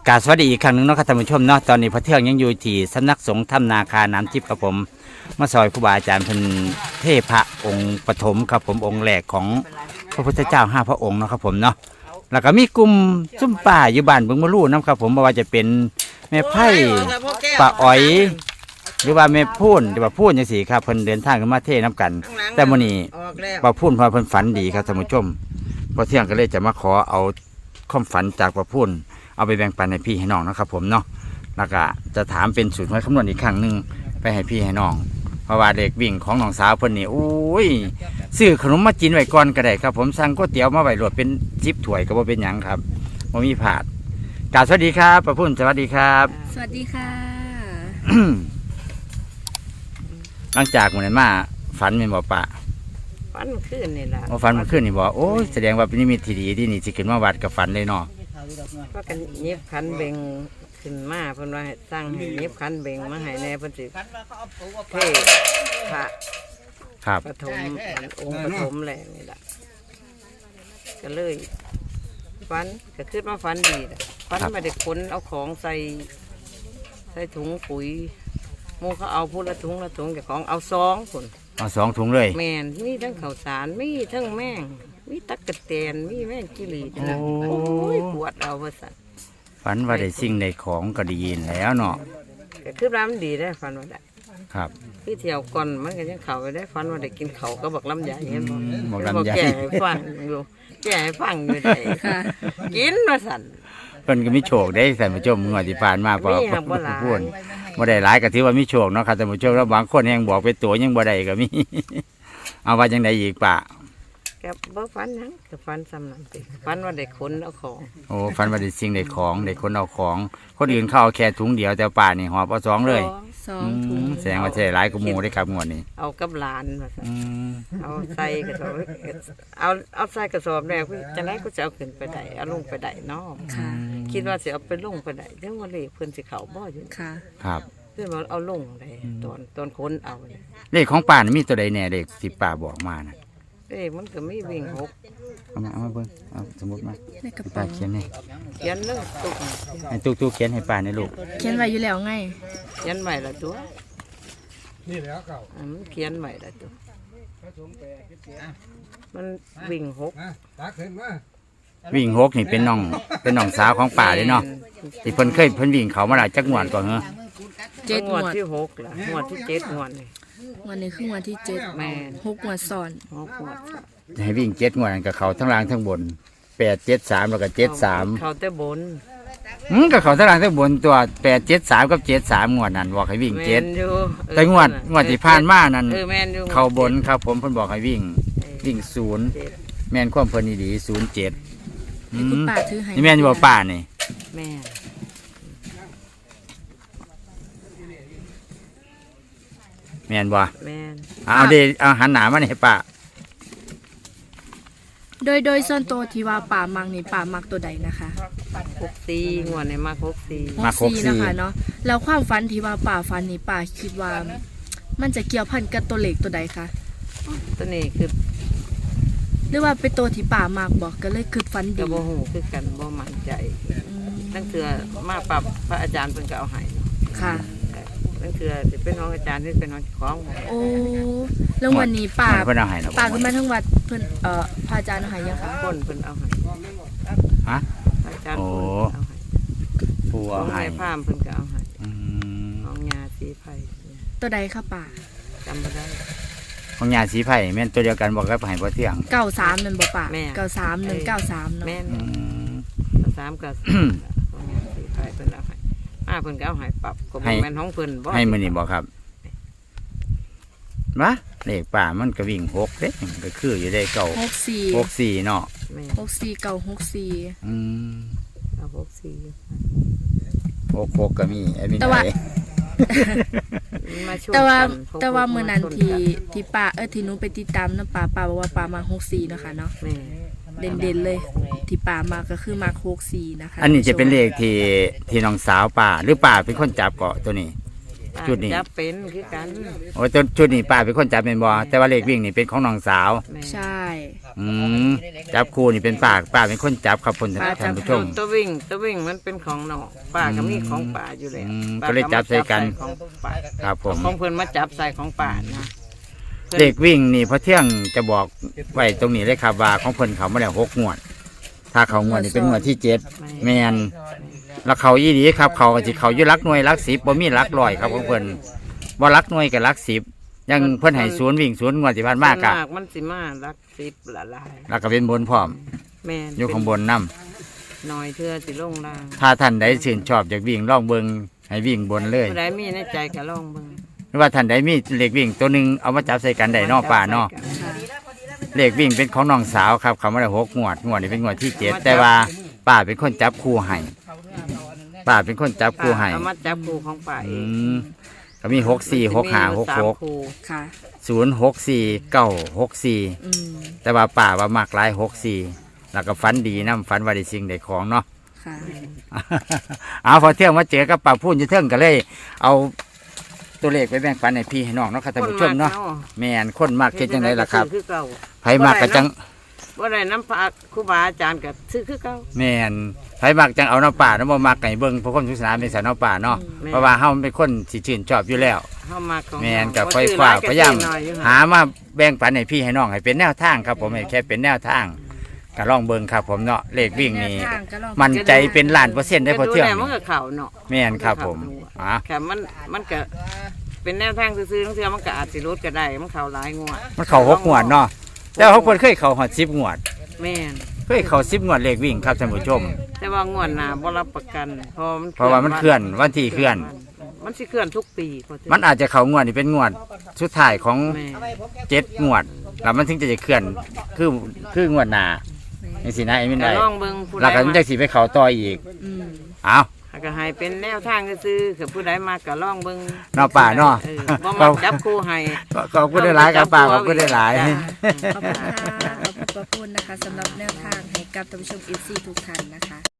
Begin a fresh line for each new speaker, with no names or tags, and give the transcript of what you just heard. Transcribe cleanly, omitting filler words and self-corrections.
กราบสวัสดีอีกครั้งหนึ่งเนาะครับท่านผู้ชมเนาะตอนนี้พระเทืองยังอยู่ที่สำนักสงฆ์ถ้ำนาคาน้ำทิพย์ครับผมมาซอยครูบาอาจารย์เป็นเทพพระองค์ปฐมครับผมองค์แรกของพระพุทธเจ้า5 พระองค์เนาะครับผมเนาะแล้วก็มีกลุ่มซุ่มป่าอยู่บ้านเบิ่งมะลู่นะครับผมไม่ว่าจะเป็นแม่ไผ่ป่าอ้อยหรือว่าแม่พูนหรือว่าพูนจังซี่ครับเพิ่นเดินทางขึ้นมาเทน้ำกัน แต่มื้อนี้ป่าพูนพอเพิ่นฝันดีครับท่านผู้ชมพอเที่ยงก็เลยจะมาขอเอาความฝันจากป่าพูนเอาไปแบ่งปันให้พี่ให้น้องนะครับผมเนาะแล้วก็จะถามเป็นสูตรหวยคำนวณอีกครั้งหนึ่งไปให้พี่ให้น้องเพราะว่าเด็กวิ่งของน้องสาวเพิ่นนี่โอ้ยซื้อขนมมากินไว้ก่อนก็ได้ครับผมสั่งก๋วยเตี๋ยวมาไว้รวดเป็น10 ถ้วยก็บ่เป็นหยังครับบ่มีผาดกราบสวัสดีครับป้าพุ่นสวัสดีครับ
สวัสดีค่ะ
หลังจากมื้อนั้นมาฝันแม่นบ่ป้า
ฝันขึ้นนี่แหละ
โอ้ฝันเมื่อคืนนี่บ่โอ้ยแสดงว่าเป็นนิมิตที่ดีที่นี่สิขึ้นมาวัดกับฝันเลยเนาะ
เพราะกันเย็บขันเบงขึ้นมาเพิ่นว่าให้สร้างให้เย็บขันเบงมาให้แน่เพิ่นสิเทพระ
ครับ
ปฐมองค์ปฐมแหละนี่แหละก็เลยฝันก็คิดว่าฝันดีล่ะฝันมาได้ขนเอาของใส่ถุงปุ๋ยหมูเขาเอาพูดละถุงละถุงแต่ของเอา2คน
เอา2 ถุงเลย
แม่นมีทั้งข้าวสารมีทั้งแม่งมีตักกะแตนมีแม่งกิรีนะโอ้ยปวดเอาว่าสั่น
ฝันว่าได้สิ่งได้ของก็ดีแล้วเนาะ
ก็คือร้านมันดีได้ฝันว่าได้
ครับ
พี่เที่ยวก่อนมันก็ยังเข่าไปได้ฝันว่าได้กินเขาก็บอกลำไยเห็นบ่
บอกลำไย
แก่ให้ฟังอยู่แก่ให้ฟังอยู่ได้
ค่ะ
กินมาสั่น
เพิ่นก็มีโชคได้ท่านผู้ชมงวดที่ผ่านมาพอ
มีครับบ่หลาย
พูดบ่ได้หลายก็ถือว่ามีโชคเนาะครับท่านผู้ชมแล้วบางคนยังบอกเป็นตัวยังบ่ได้ก็มี เอาว่าจังไดอีกป่ะ
กับบ่ฝันหยังก็ฝันซ้ำนั่นสิฝันว่าได้ขนเอาของ
โอ้ฝันว่าได้สิ่งได้ของได้คนเอาของ คนอื่นเข้าเอาแค่ถุงเดียวแต่ป่านี่หอบเอา2เลย
2 ถุง
แสดงว่าใช่หลายกว่าหมู่ได้ครับงวดนี้
เอากับหลานมาสั่น
อืม
เอาใส่กระสอบเอาใส่กระสอบแล้วพี่จังได๋ก็จะเอาขึ้นไปได้เอาลงไปได้เนาะ
ค่ะ
คิดว่าสิเอาไปลงไปได้เดี๋ยวว่าเลขเพิ่นสิเข้าบ่อยู่
ค่ะ
ครับ
เพิ่นว่าเอาลงได้ตอนคนเอาเนี่ย
เลขของป่านี่มีตัวใดแน่เลขที่ป่าบอกมานะ
เลขมันก็มีวิ่ง6
เอามาเบิ่งเอาสมมุติมา
ในกระ
ที่
เป๋า
ป่าเขียนให้
เขียนเลยตุก
ให้ตุ๊กๆเขียนให้ป่าในลูก
เขียนไว้อยู่แล้วไง
เขียนใหม่ละตัวนี่แล้วเก่ามันเขียนใหม่ละตัวมันวิ่ง6
วิ่ง6นี่เป็นน้องสาวของป่าเลยเนาะที่เพิ่นวิ่งเขามาหลายจักงวดก่อนเหรอ
7
ง
ง
ว
ว
ด
ด
ที่6ล่ะงวดที่7งวดนี่
วันนี้คืองวดที่
แม่น
7 6 งวดซ้อน
6งวด
ให้วิ่ง7 งวดนั่นกับเขาทั้งล่างทั้งบน8 7 3แล้วก็7 3
เขาแต่บน
กับเขาทั้งล่างทั้งบนตัว8 7 3กับ7 3งวดนั่นบอกให้วิ่ง
แม่น
เจ็ด
อยู่
แต่งวดที่ผ่านมานั่น
แม่นอยู่
เขาบนครับผมเพิ่นบอกให้วิ่ง0
7
แม่นความเพิ่นดีๆ07
ให้คุณป้าถือให้
นี่แม่นอยู่บ่ป่านี่
แม่น
แม่นบ่
แม่น
เอาหันหน้ามานี่ให้ป้า
โดยส่วนตัวที่ว่าป่ามักนี่ป่ามักตัวใดนะคะ
64งวดนี่มา64
64นะคะเนาะแล้วความฝันที่ว่าป่าฝันนี่ป่าคิดว่า มันจะเกี่ยวพันกับตัวเลขตัวใดคะ
ตัวนี้คือ
หรือว่าเป็นตัวที่ป่ามักบอกก็เลยคือฝัน
ก็
ดี
บ่ฮู้คือกันบ่มั่นใจ
อืม
ตั้งเทื่อมาปรับพระอาจารย์เพิ่นก็เอาให้
ค่ะ
ตั้งเทื่อสิเป็นของอาจารย์หรือเป็นของเจ้าของ
โอ้แล้ววันนี้ป่า
เพิ่นเอาให้เนาะ
ป่าขึ้นมาทั้งวัดเพิ่นพระอาจารย์ให้ยังคะ
คนเพิ่นเอาให้
ฮะ
พระอาจารย์
โอ้
เพิ่นเอาให้
ผู้
ขอ
เอา
ง
ให้
แม่พามเพิ่นก็เอาให้
อืม
ของยาสีไผ่
ตัวใดคะป่า
จำบ่ได้
ของยาสีไผ่แม่นตัวเดียวกันบอกกับให้บ่เที่ยง
93นั่นบ่ป่า
แม่
93 193เนาะ
แม่น
อืม
3กับของยาสีไผ่เพิ่นเอาให้เพิ่นก็เอาให้ปรับก็บ่แม่นของเพิ่นบ่
ให้มื้อนี้บ่ครับมาเลขป่ามันก็วิ่ง6เด้ก็คืออยู่ได้เก่า
64
64เนาะ
แม่น
64
อืม
เอา64
66ก็มีไอ้มี
แต่ว่า
ไหน
มาช่วย
แต่ว่า
กัน
แต่ว่ามื้อนั้น
ชกั
ที่ป่าที่หนูไปติดตามนะป่าบอกว่าป่ามา64เนาะค่ะเนาะ
แม่
เด่นๆเลย ที่ป่ามาก็คือมา64นะคะ
อันนี้จะเป็นเลขที่น้องสาวป่าหรือป่าเป็นคนจับเกาะตัวนี้ชุดนี้
จับเป็นคือกัน
โอ้ยตัวชุดนี้ป้าเป็นคนจับเป็นบ่แต่ว่าเลขวิ่งนี่เป็นของน้องสาว
แม่
ใช่
อืมจับคู่นี่เป็นป้าเป็นคนจับครับคนท่านผู้ชม
ตัววิ่งมันเป็นของน้องป้าก็มีของป้าอยู่แล้ว
อืม
ป้า
ก็เลยจับใส่กัน
ของป้า
ครับผม
ของเพิ่นมาจับใส่ของป้านะพิ่น
เลขวิ่งนี่พอเที่ยงจะบอกไว้ตรงนี้เลยครับว่าของเพิ่นเขามาแล้ว6 งวด ถ้าเขางวดนี่เป็นงวดที่7แมนแล้วเขาอีดีครับเขาก็สิเขาอยู่หลักหน่วยหลัก10บ่มีหลักร้อยครับของเพิ่นบ่หลักหน่วยกับหลัก10ยังเพิ่นให้ศูนย์วิ่งศูนย์งวดที่ผ่านมากะ
มันสิมารัก10ละลาย
แล้วก็เป็นบนพร้อม
แม่น
อยู่ข้างบนนํ
น้อยเทื่อสิลงล่าง
ถ้าท่านใดชื่นชอบอยากวิ่งลองเบิ่งให้วิ่งบนเลย
ผู้ใดมีในใจก็ลองเบิ่ง
หรือว่าท่านใดมีเลขวิ่งตัวหนึงเอามาจับใส่กันได้เนอป่าเนาะ เลขวิ่งเป็นของน้องสาวครับเขามาได้6 งวดนี่เป็นงวดที่7แต่ว่าป้าเป็นคนจับคู่ให้ป้าเป็นคนจับคู่ให้
เอามาจับคู่ของป้าเอ
อื
ง
มก็มี6 4 6 5 6 6
คู่
ค่ะ
0 6 4 9 6 4
อืม
แต่ว่าป้าว่ามักหลาย6 4แล้วก็ฝันดีนะฝันว่าได้สิ่งได้ของเนาะ
ค่ะ
เอาพอเที่ยงมาเจอกับป้าพูนจะเทิงก็เลย เอาตัวเลขไปแบ่งปันให้พี่ให้น้องเนาะครับท่านผู้ชมเนาะแม่นคนมากเฮ็ดจังไดล่ะครับ
คือเก่า
ไผมากก็จัง
บ่ได้น้ำพระครูบาอาจารย์ก็ซื้อคือเก่า
แม่นไผมากจังเอาน้ำป่าน้ำบ่มักไก่เบิ่งเพราะคนทุกสนามเป็นสายน้ำป่าเนาะ
แม่น
เพราะว่าเฮามันเป็นคนสิชื่นชอบอยู่แล้ว
เฮามาของ
แม่นกับ
บ่
ไฟ
ซื้อ
ฟ้า
หล
พยายาม
ก็ซื้อน้ออยู่
หามาแบ่งปันให้พี่ให้น้องให้เป็นแนวทางครับผมให้แค่เป็นแนวทางก็ลองเบิ่งครับผมเนาะเลขวิ่งนี่
แนวทางก็ลอง
มันใจเป็นล้านเปอร์เซ็นต์ได้พอเที่ยง
ก็ดูแลมันก็เข้าเนาะ
แม่นครับผมอ่ะ
ค่ะมันก็เป็นแนวทางซื่อๆทั้งเทื่อมันก็อาจสิลดก็ได้มันเข้าหลายงวด
มันเข้า6 งวดเนาะแต่ว่าเพิ่นเคยเข้าฮอด10 งวด
แม่น
เคยเข้า10 งวดเลขวิ่งครับท่านผู้ชม
แต่ว่างวดหน้าบ่รับประกันเพ
เพราะว่ามันเคลื่อนวันที่เคลื่อน
มันสิเคลื่อนทุกปีพอเทื่อ
มันอาจจะเข้างวดนี่เป็นงวดสุดท้ายของ
แม่
7 งวดแล้วมันถึงจะเคลื่อนคืองวดหน้าจังซี่นะไอ้มิน
ก็
ได้
ลองเบิ่งผู้ใด
แล้วก็มันจะสิไปเข้าต่ออีก
อืม
เอา
ก็ให้เป็นแนวทางซื่อๆคือผู้ใดมาก็ลองเบิ่ง
เนาะป่าเนาะ
บ่มาจับคู่ให้
ขอบคุณได้หลายครับป้าขอบคุณได้หลาย
จ้ะ
ขอบคุณค่ะขอบคุณป้าพูนนะคะสำหรับแนวทางให้กับท่านผู้ชม FC ทุกท่านนะคะ